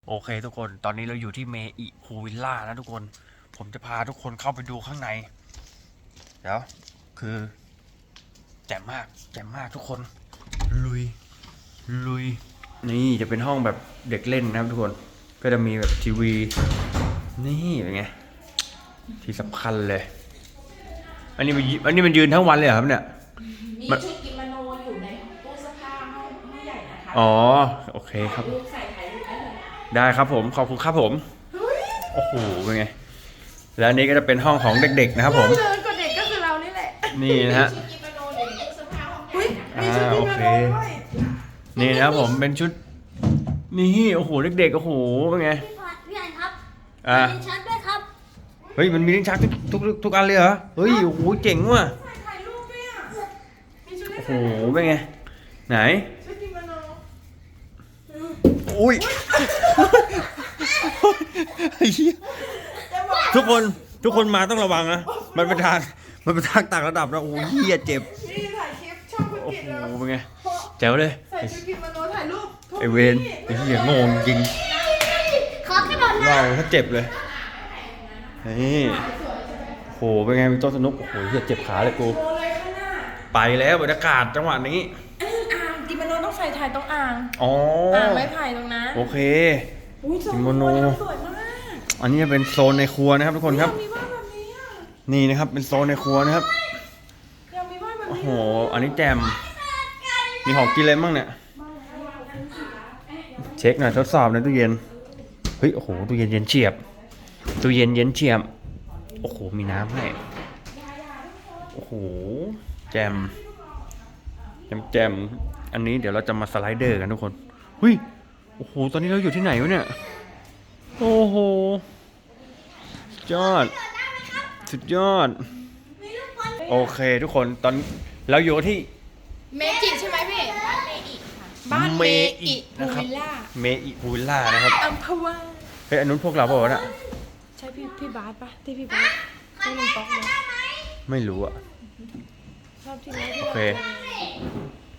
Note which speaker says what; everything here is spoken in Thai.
Speaker 1: โอเคทุกคนตอนนี้เราอยู่ที่เมอิพูวิลล่านะทุกคนผมจะพาทุกคนเข้าไปดูข้างในเดี๋ยวคือแจ่มมากทุกคนลุยนี่จะเป็นห้องแบบเด็กเล่นนะครับทุกคนก็จะมีแบบทีวีนี่เป็นไงที่สำคัญเลยอันนี้มันยืนทั้งวันเลยเหรอครับเนี่ย
Speaker 2: มีชุดกิโมโนอยู่ในตู้เสื้อผ้าห้องใหญ่นะคะ
Speaker 1: อ๋อโอเคครับ
Speaker 2: ใส่ถ่ายรูปได้เลย
Speaker 1: ได้ครับผมขอบคุณครับผมโอ้โหเป็นไงแล้วอันนี้ก็จะเป็นห้องของเด็กๆนะครับผม
Speaker 2: เจอกับเด็กก็คือเรานี่แหละ
Speaker 1: นี่นะฮะ
Speaker 2: ชุดกิโมโนอยู่ในตู้เสื้อผ้าห้องใหญ่นะคะ
Speaker 1: มีชุดกิโมโนด้วยนี่นะครับผมเป็นชุดนี่โอ้โหเด็กๆโอ้โหเป็นไง
Speaker 3: พี่อันครับมีชัดด้วยครับ
Speaker 1: เฮ้ยมันมีลิ้นชักทุกอันเลยเหรอเฮ้ยโอ้โหเจ๋งว่ะ
Speaker 2: ถ่ายรูปด้วยอ่ะมีชุด
Speaker 1: โอ้โหเป็นไงไหน
Speaker 2: ชุดกิโมโน
Speaker 1: อุ้ยทุกคนมาต้องระวังนะมันเป็นทางต่างระดับนะโอ้ยเหี้ยเจ็บ
Speaker 2: นี่ถ่ายคลิปช่องคุณ
Speaker 1: โอ้
Speaker 2: กิต
Speaker 1: โห
Speaker 2: แล้ว
Speaker 1: เป็นไงแจ๋วเลย
Speaker 2: ใส่ชุดกิโมโนถ่ายรูป
Speaker 1: ไอเวนไอเหี้ยงงจริง
Speaker 3: ขอขึ้นหน่อยนะ
Speaker 1: เราถ้าเจ็บเลยนี่โหเป็นไงมีโต๊ะสนุกโอ้โหเหี้ยเจ็บขาเลยกูไปแล้วบรรยากาศจังหวะนี้
Speaker 2: อ่างกิโมโนต้องใส่ถ่ายตรงอ่าง
Speaker 1: อ๋อ
Speaker 2: อ่างไม้ไผ่ตรงนั้น
Speaker 1: โอเค
Speaker 2: กิโมโนสวยมาก
Speaker 1: อันนี้จะเป็นโซนในครัวนะครับทุกคนครับ
Speaker 2: มีบ้านแบบนี้อ่ะ
Speaker 1: นี่นะครับเป็นโซนในครัวนะครับ
Speaker 2: ยังมีบ้านแบบนี้
Speaker 1: โอ้โหอันนี้แจมมีของกินอะไรบ้างเนี่ยเช็คหน่อยทดสอบในตู้เย็นเฮ้ยโอ้โหตู้เย็นเย็นเฉียบตู้เย็นเย็นเฉียบโอ้โหมีน้ำให้โอ้โหแจมอันนี้เดี๋ยวเราจะมาสไลเดอร์กันทุกคนเฮ้ยโอ้โหตอนนี้เราอยู่ที่ไหนวะเนี่ยโอ้โหสุดยอดโอเคทุกคนตอนเราอยู่ที่
Speaker 2: เมจิใช่ไหมพี่บ้านเมอิ
Speaker 1: นะครับ
Speaker 2: พูวิลล่า
Speaker 1: เมอิพูวิลล่านะครับ
Speaker 2: อัมพวา
Speaker 1: เฮ้ยอันนู้นพวกเราเปล่าวะน่ะ
Speaker 2: ใช่พี่บาสปะที่พี่บาสที่ลุงป๊อกเลย
Speaker 1: ไม่รู้อะ
Speaker 2: ชอบที่ไหน
Speaker 1: โอเค